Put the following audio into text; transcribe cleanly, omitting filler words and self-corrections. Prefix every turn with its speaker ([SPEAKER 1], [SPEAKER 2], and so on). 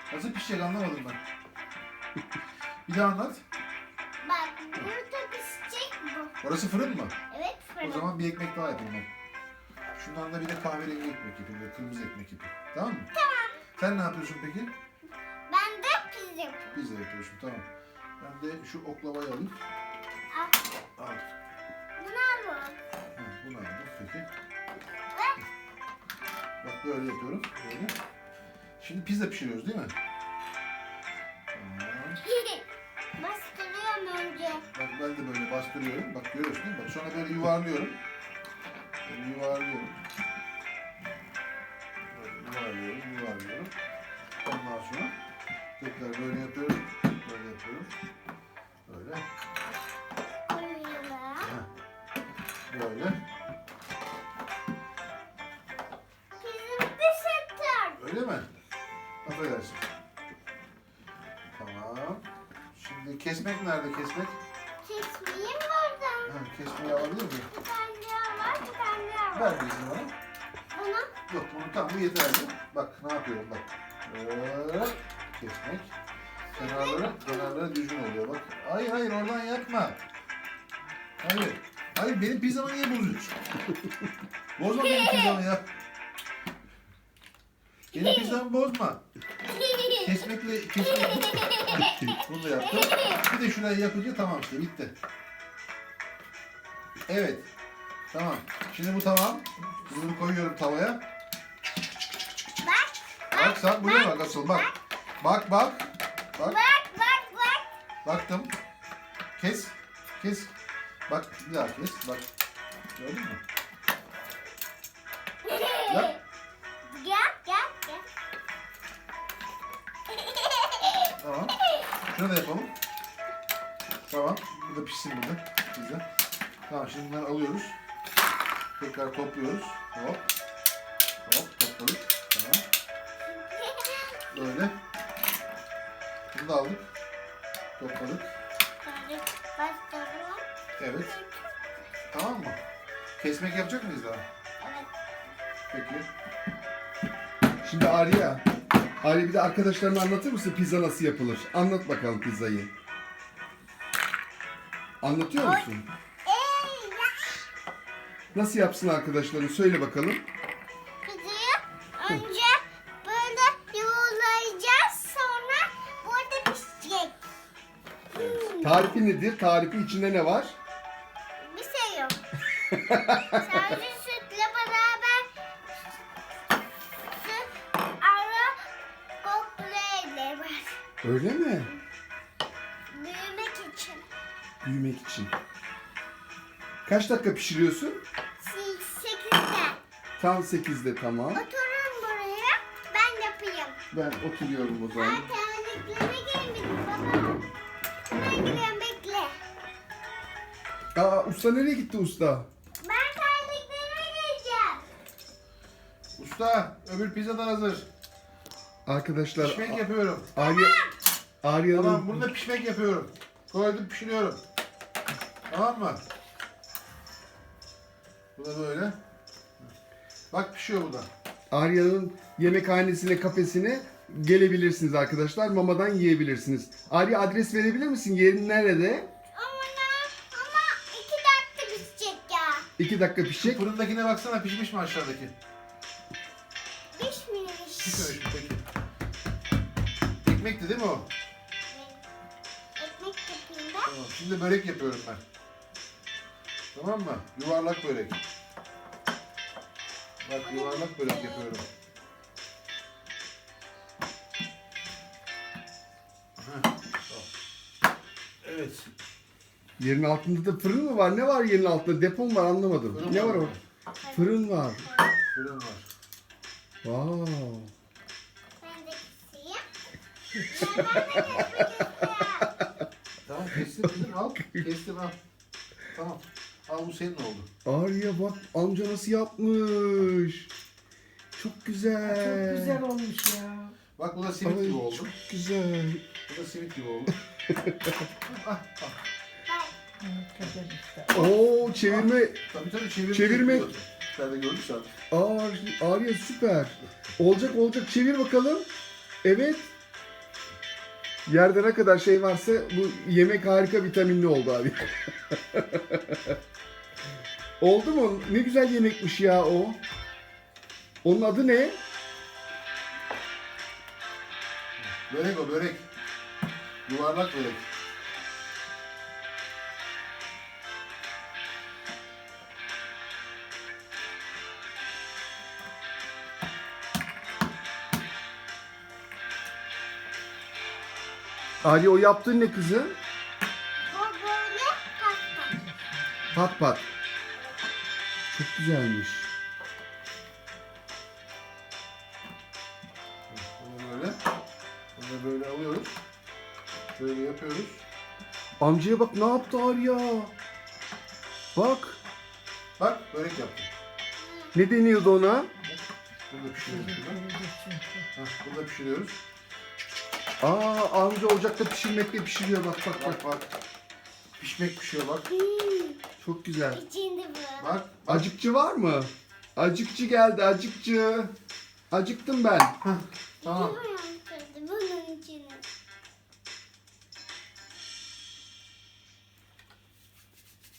[SPEAKER 1] Nasıl pişecek anlamadım ben. Bir daha anlat.
[SPEAKER 2] Bak burada pişecek bu.
[SPEAKER 1] Orası fırın mı?
[SPEAKER 2] Evet fırın.
[SPEAKER 1] O zaman bir ekmek daha yapayım ben. Şundan da bir de kahverengi ekmek yapayım. Bir de kırmızı ekmek yapayım. Tamam mı? Tamam. Sen ne yapıyorsun peki?
[SPEAKER 2] Ben de pizza yapıyorum.
[SPEAKER 1] Pizza yapıyorsun tamam. Ben de şu oklavayı alayım.
[SPEAKER 2] Al.
[SPEAKER 1] Al.
[SPEAKER 2] Bunu al bak.
[SPEAKER 1] Ha, bunu aldım peki.
[SPEAKER 2] Bak.
[SPEAKER 1] Bak böyle yapıyorum. Böyle. Şimdi pizza pişiriyoruz değil mi? Tamam.
[SPEAKER 2] Bastırıyorum önce.
[SPEAKER 1] Bak ben de böyle bastırıyorum. Bak görüyorsun değil mi? Bak sonra böyle yuvarlıyorum. Böyle yuvarlıyorum. Böyle yuvarlıyorum. Ondan sonra tekrar böyle yapıyorum. Böyle yapıyorum. Böyle.
[SPEAKER 2] Koyuyorum.
[SPEAKER 1] Heh. Böyle.
[SPEAKER 2] Pizzamı pişirtir.
[SPEAKER 1] Öyle mi? Affedersin. Tamam. Şimdi kesmek nerede kesmek?
[SPEAKER 2] Kesmeyeyim oradan.
[SPEAKER 1] Ha, kesmeyi alabilir miyim?
[SPEAKER 2] Bir tane daha var, bir tane daha var.
[SPEAKER 1] Ver bizi bana.
[SPEAKER 2] Bunu
[SPEAKER 1] Yok bunu tam bu yeterli. Bak ne yapıyorum bak. Böyle kesmek. Kenarları düzgün oluyor bak. Hayır oradan yapma. Hayır. Hayır benim pizzamı niye bozuyorsun? Bozma benim pizzamı ya. Benim pizzamı bozma. Kesmekle. Bunu da yaptım. Bir de şurayı yapınca tamam işte bitti. Evet. Tamam. Şimdi bu tamam. Bunu koyuyorum tavaya.
[SPEAKER 2] bak,
[SPEAKER 1] Bak sen buraya bak asıl bak. Bak.
[SPEAKER 2] bak.
[SPEAKER 1] Baktım. Kes. Bak bir daha kes. Bak. Gördün mü? Yap.
[SPEAKER 2] Gel.
[SPEAKER 1] Tamam. Şunu da yapalım. Tamam. Bu da pişsin burada. Pizza. Tamam şimdi bunları alıyoruz. Tekrar topluyoruz. Hop topladık. Tamam. Böyle. Bunu da aldık. Topladık.
[SPEAKER 2] Bastırıyorum.
[SPEAKER 1] Evet. Tamam mı? Kesmek yapacak mıyız daha?
[SPEAKER 2] Evet.
[SPEAKER 1] Peki.
[SPEAKER 3] Şimdi Arya bir de arkadaşlarına anlatır mısın pizza nasıl yapılır? Anlat bakalım pizzayı. Anlatıyor musun? Nasıl yapsın arkadaşların? Söyle bakalım.
[SPEAKER 2] Pizzayı önce böyle yuvarlayacağız, sonra burada pişecek.
[SPEAKER 3] Tarifi nedir? Tarifi içinde ne var?
[SPEAKER 2] Bir şey yok. Sadece sütle beraber süt, ara, koklayla var.
[SPEAKER 3] Öyle mi?
[SPEAKER 2] Büyümek için.
[SPEAKER 3] Büyümek için. Kaç dakika pişiriyorsun?
[SPEAKER 2] 8'de.
[SPEAKER 3] Tam 8'de tamam.
[SPEAKER 2] Oturun buraya, ben yapayım.
[SPEAKER 3] Ben oturuyorum o zaman.
[SPEAKER 2] Terliklerime gelmedim baba. Ben gidiyorum, bekle.
[SPEAKER 3] Usta nereye gitti usta?
[SPEAKER 2] Ben terliklerime geleceğim.
[SPEAKER 1] Usta öbür pizza da hazır.
[SPEAKER 3] Arkadaşlar
[SPEAKER 1] Pişmek yapıyorum.
[SPEAKER 3] Arya'nın
[SPEAKER 1] Tamam bunu da pişmek yapıyorum. Koydum pişiriyorum. Tamam mı? Bu da böyle. Bak pişiyor bu da.
[SPEAKER 3] Arya'nın yemekhanesine, kafesine gelebilirsiniz arkadaşlar. Mamadan yiyebilirsiniz. Arya adres verebilir misin? Yerin nerede?
[SPEAKER 2] Ama 2 dakika pişecek ya.
[SPEAKER 3] 2 dakika pişecek.
[SPEAKER 1] Fırındakine baksana pişmiş mi aşağıdaki?
[SPEAKER 2] Pişmemiş.
[SPEAKER 1] Pişmemiş mi peki? Ekmekti değil mi o?
[SPEAKER 2] Ekmek yapayım ben.
[SPEAKER 1] Tamam. Şimdi börek yapıyorum ben. Tamam mı? Yuvarlak börek. Bak yuvarlak börek yapıyorum. Heh, tamam. Evet.
[SPEAKER 3] Yerin altında da fırın mı var? Ne var yerin altında? Depo mu var? Anlamadım.
[SPEAKER 1] Fırın
[SPEAKER 3] Ne
[SPEAKER 1] var
[SPEAKER 3] var
[SPEAKER 1] mı?
[SPEAKER 3] orada? Fırın var.
[SPEAKER 1] Fırın var.
[SPEAKER 3] Wow.
[SPEAKER 2] Ben de keseyim. Ben de kesmek istiyorum.
[SPEAKER 1] Tamam kestim kızım al. Kestim al. Tamam. Al bu senin oldu.
[SPEAKER 3] Arya bak amca nasıl yapmış. Çok güzel.
[SPEAKER 4] Çok güzel olmuş ya.
[SPEAKER 1] Bak bu da simit
[SPEAKER 3] Ay,
[SPEAKER 1] gibi oldu.
[SPEAKER 3] çok güzel.
[SPEAKER 1] Bu da simit gibi oldu. Ah, ah.
[SPEAKER 4] Evet, Kader işte.
[SPEAKER 3] Oo çevirme.
[SPEAKER 1] Tabii çevirme.
[SPEAKER 3] Çevirme.
[SPEAKER 1] yapıyordu. Sen de gördün zaten.
[SPEAKER 3] Arya süper. Olacak. Çevir bakalım. Evet. Yerde ne kadar şey varsa bu yemek harika vitaminli oldu abi. Oldu mu? Ne güzel yemekmiş ya o. Onun adı ne?
[SPEAKER 1] Börek o, börek. Yuvarlak börek.
[SPEAKER 3] Ali o yaptığın ne kızım?
[SPEAKER 2] O böyle pasta.
[SPEAKER 3] Pat pat. Çok güzelmiş.
[SPEAKER 1] Bunu böyle. Bunu böyle alıyoruz. Şöyle yapıyoruz.
[SPEAKER 3] Amcaya bak ne yaptı Arya. Bak.
[SPEAKER 1] Bak börek yaptım.
[SPEAKER 3] Ne deniyordu ona?
[SPEAKER 1] Burada pişiriyoruz. Şurada. Hah, burada pişiriyoruz.
[SPEAKER 3] Aa amca ocakta pişirmekle pişiriyor bak bak bak.
[SPEAKER 1] Bak bak. Pişmek pişiyor bak.
[SPEAKER 3] Çok güzel.
[SPEAKER 2] İçinde bu.
[SPEAKER 1] Bak.
[SPEAKER 3] Acıkçı var mı? Acıkçı geldi acıkçı. Acıktım ben.
[SPEAKER 1] Tamam.
[SPEAKER 2] Bilmiyorum.